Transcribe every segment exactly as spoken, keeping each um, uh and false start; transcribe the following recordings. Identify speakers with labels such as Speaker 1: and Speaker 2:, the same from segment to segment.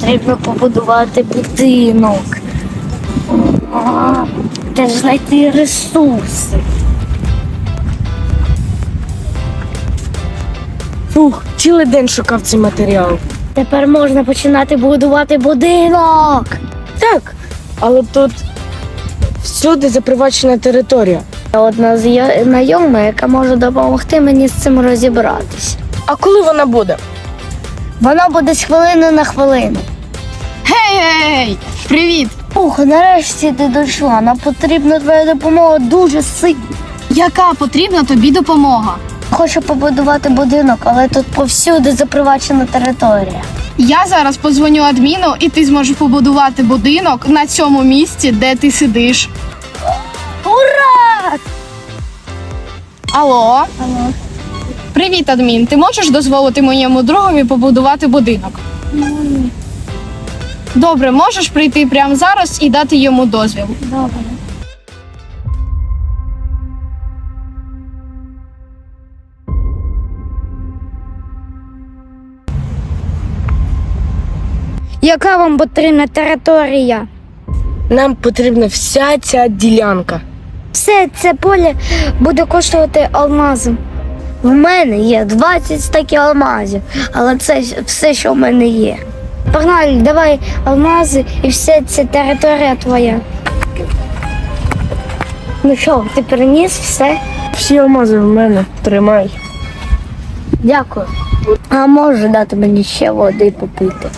Speaker 1: потрібно побудувати будинок. А, де ж знайти ресурси?
Speaker 2: Фух, цілий день шукав цей матеріал.
Speaker 1: Тепер можна починати будувати будинок.
Speaker 2: Так, але тут всюди запривачена територія.
Speaker 1: Одна знайома, яка може допомогти мені з цим розібратися.
Speaker 2: А коли вона буде?
Speaker 1: Вона буде з хвилини на хвилину.
Speaker 3: Гей-гей! Привіт!
Speaker 1: Ух, нарешті ти дійшла. Нам потрібна твоя допомога дуже сильно.
Speaker 3: Яка потрібна тобі допомога?
Speaker 1: Хочу побудувати будинок, але тут повсюди запривачена територія.
Speaker 3: Я зараз позвоню адміну, і ти зможеш побудувати будинок на цьому місці, де ти сидиш.
Speaker 1: Ура!
Speaker 3: Алло?
Speaker 1: Алло.
Speaker 3: Привіт, адмін. Ти можеш дозволити моєму другові побудувати будинок?
Speaker 1: Ні.
Speaker 3: Добре, можеш прийти прямо зараз і дати йому дозвіл.
Speaker 1: Добре. Яка вам потрібна територія?
Speaker 2: Нам потрібна вся ця ділянка.
Speaker 1: Все це поле буде коштувати алмази. В мене є двадцять стаків алмазів, але це все, що в мене є. Погнали, давай алмази і вся ця територія твоя. Ну що, ти переніс все?
Speaker 2: Всі алмази в мене. Тримай.
Speaker 1: Дякую. А може дати мені ще води попити?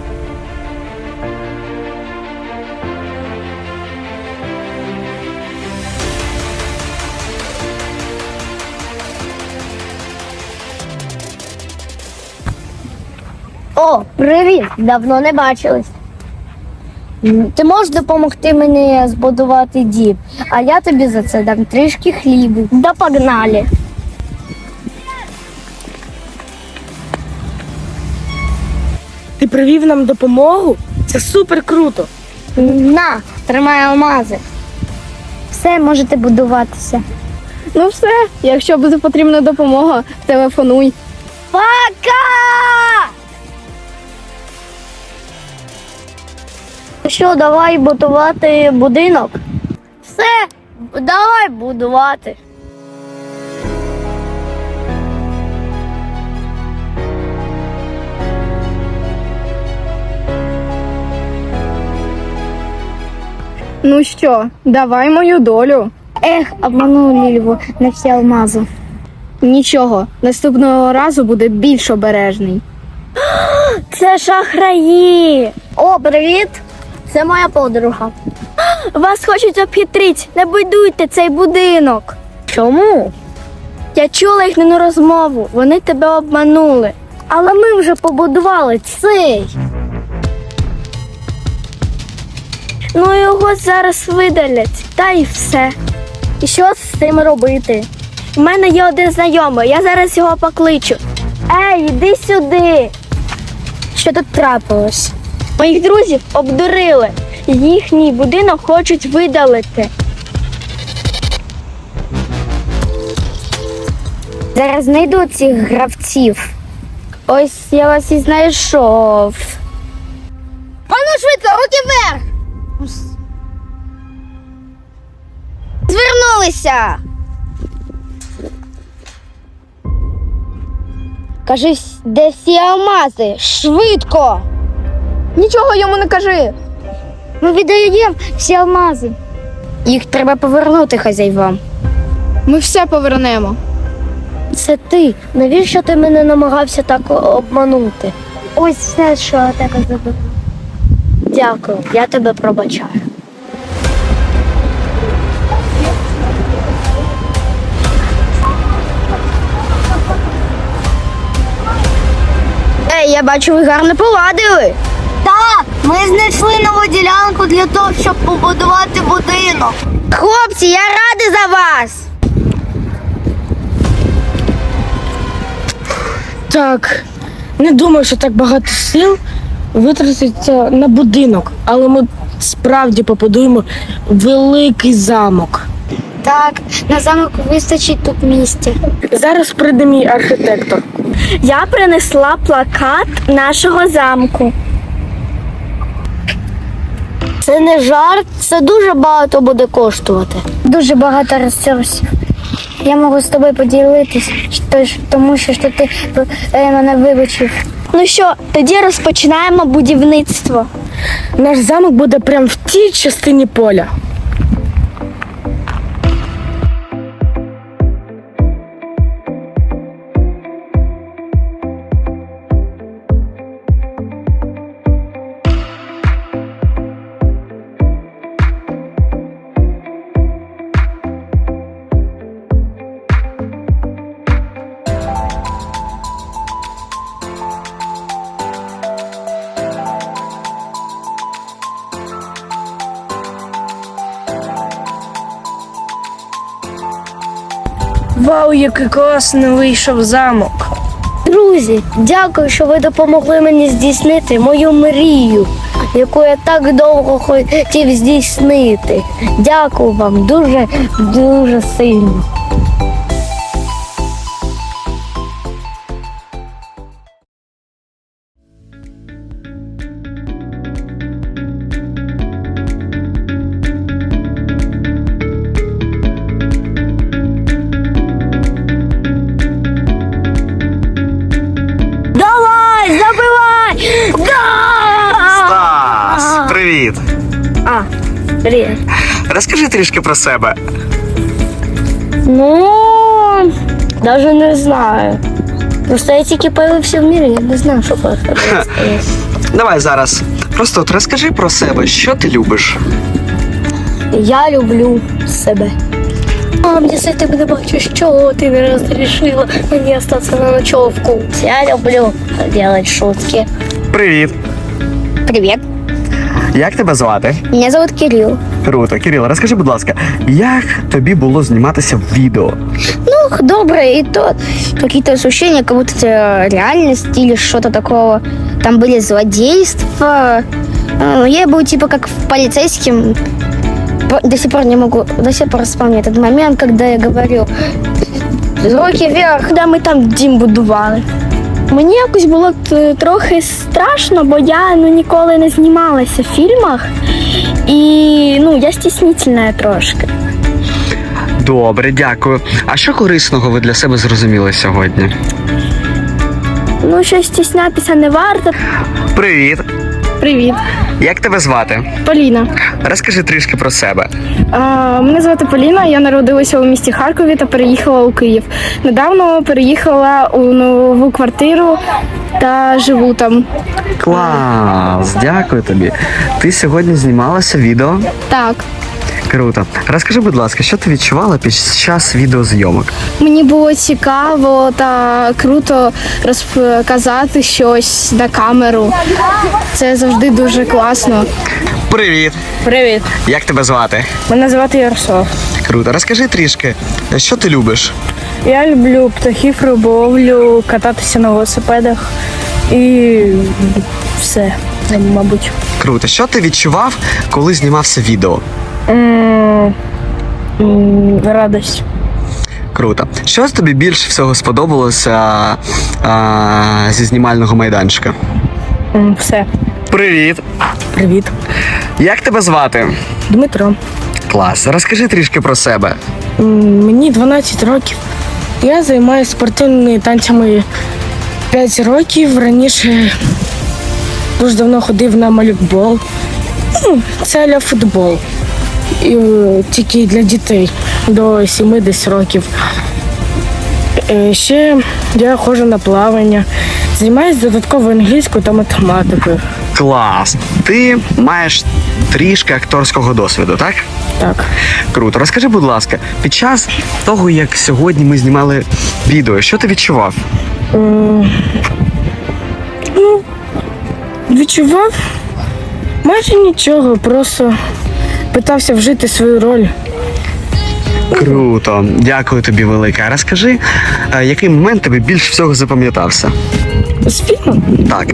Speaker 1: О, привіт! Давно не бачились. М, Ти можеш допомогти мені збудувати дім, а я тобі за це дам трішки хлібу. Да погнали!
Speaker 2: Ти привів нам допомогу? Це супер круто.
Speaker 1: На, тримай алмази. Все, можете будуватися.
Speaker 3: Ну все, якщо буде потрібна допомога, телефонуй.
Speaker 1: Пока! Що, давай будувати будинок? Все, давай будувати.
Speaker 3: Ну що, давай мою долю.
Speaker 1: Ех, обманули Лільву на всі алмази.
Speaker 3: Нічого, наступного разу буде більш обережний.
Speaker 1: Це шахраї. О, привіт! Це моя подруга. Вас хочуть обхитрити. Не будуйте цей будинок. Чому? Я чула їхню розмову. Вони тебе обманули. Але ми вже побудували цей. Ну його зараз видалять. Та й все. І що з цим робити? У мене є один знайомий. Я зараз його покличу. Ей, іди сюди. Що тут трапилось? Моїх друзів обдурили. Їхній будинок хочуть видалити. Зараз знайду цих гравців. Ось я вас і знайшов. Ану швидко, руки вверх! Звернулися! Кажи, де всі алмази? Швидко!
Speaker 3: Нічого йому не кажи.
Speaker 1: Ми віддаємо всі алмази. Їх треба повернути хазяйвам.
Speaker 3: Ми все повернемо.
Speaker 1: Це ти. Навіщо ти мене намагався так обманути? Ось все, що я тебе забув. Дякую, я тебе пробачаю. Ей, я бачу, ви гарно поладили. Так, ми знайшли нову ділянку для того, щоб побудувати будинок. Хлопці, я радий за вас.
Speaker 2: Так, не думаю, що так багато сил витратиться на будинок, але ми справді побудуємо великий замок.
Speaker 1: Так, на замок вистачить тут місця.
Speaker 2: Зараз прийде мій архітектор.
Speaker 1: Я принесла плакат нашого замку. Це не жарт, це дуже багато буде коштувати.
Speaker 4: Дуже багато ресурсів. Я можу з тобою поділитись, тож- тому що, що ти е, мене вибачив.
Speaker 1: Ну що, тоді розпочинаємо будівництво.
Speaker 2: Наш замок буде прямо в тій частині поля. Вау, який класний вийшов замок.
Speaker 1: Друзі, дякую, що ви допомогли мені здійснити мою мрію, яку я так довго хотів здійснити. Дякую вам дуже, дуже сильно. Давай, забивай! Да!
Speaker 5: Стас, привіт!
Speaker 1: А, привіт.
Speaker 5: Розкажи трішки про себе.
Speaker 1: Ну, навіть не знаю. Просто я тільки появився в мірі, я не знаю, що про себе сказати.
Speaker 5: Давай зараз. Просто от розкажи про себе, що ти любиш.
Speaker 1: Я люблю себе. Мам, если ты бы не бачишь, чего ты не разрешила мне остаться на ночевку. Я люблю делать шутки.
Speaker 5: Привіт!
Speaker 1: Привет,
Speaker 5: Як тебе звати?
Speaker 1: меня зовут Кирилл.
Speaker 5: Круто. Кирило, розкажи, будь ласка, як тобі було зніматися в відео?
Speaker 4: Ну, доброе, и то какие-то ощущения, как будто это реальность или что-то такого. Там были злодейства. Э, Я был типа как в полицейским. По- До сих пор не могу, до сих пор вспомню этот момент, когда я говорю руки вверх.
Speaker 1: Коли ми там дім будували. Мені якось було т- трохи страшно, бо я ну, ніколи не знімалася в фільмах. І ну, я стіснительна трошки.
Speaker 5: Добре, дякую. А що корисного ви для себе зрозуміли сьогодні?
Speaker 1: Ну, що стіснятися не варто.
Speaker 5: Привіт!
Speaker 3: Привіт,
Speaker 5: Як тебе звати?
Speaker 3: Поліна.
Speaker 5: Розкажи трішки про себе.
Speaker 3: А, мене звати Поліна, я народилася у місті Харкові та переїхала у Київ. Недавно переїхала у нову квартиру та живу там.
Speaker 5: Клас! Дякую тобі. Ти сьогодні знімалася відео?
Speaker 3: Так.
Speaker 5: Круто. Розкажи, будь ласка, що ти відчувала під час відеозйомок?
Speaker 3: Мені було цікаво та круто розказати щось на камеру. Це завжди дуже класно.
Speaker 5: Привіт!
Speaker 2: Привіт,
Speaker 5: Як тебе звати?
Speaker 2: мене звати Ярослав.
Speaker 5: Круто. Розкажи трішки, що ти любиш?
Speaker 2: Я люблю птахів, риболовлю, кататися на велосипедах і все, мабуть.
Speaker 5: Круто. Що ти відчував, коли знімався відео?
Speaker 2: М, м, Радость.
Speaker 5: Круто. Що тобі більше всього сподобалося а, зі знімального майданчика?
Speaker 2: М, Все.
Speaker 5: Привіт!
Speaker 2: Привіт.
Speaker 5: Як тебе звати?
Speaker 2: Дмитро.
Speaker 5: Клас. Розкажи трішки про себе.
Speaker 2: М, Мені дванадцять років. Я займаюся спортивними танцями п'ять років. Раніше дуже давно ходив на малюкбол. Ну, це аля футбол. І, е, тільки для дітей до сімдесят років. Е, Ще я ходжу на плавання. Займаюся додатково англійською та математикою.
Speaker 5: Клас. Ти маєш трішки акторського досвіду, так?
Speaker 2: Так.
Speaker 5: Круто. Розкажи, будь ласка, під час того, як сьогодні ми знімали відео, що ти відчував?
Speaker 2: М, Ну, відчував майже нічого, просто питався вжити свою роль.
Speaker 5: Круто. Дякую тобі велике. А розкажи, а, який момент тобі більше всього запам'ятався?
Speaker 2: З фільмом?
Speaker 5: Так.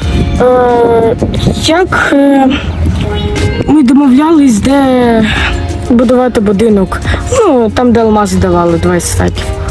Speaker 2: Е, як е, ми домовлялись, де будувати будинок. Ну, там, де алмази давали, двадцять стаків.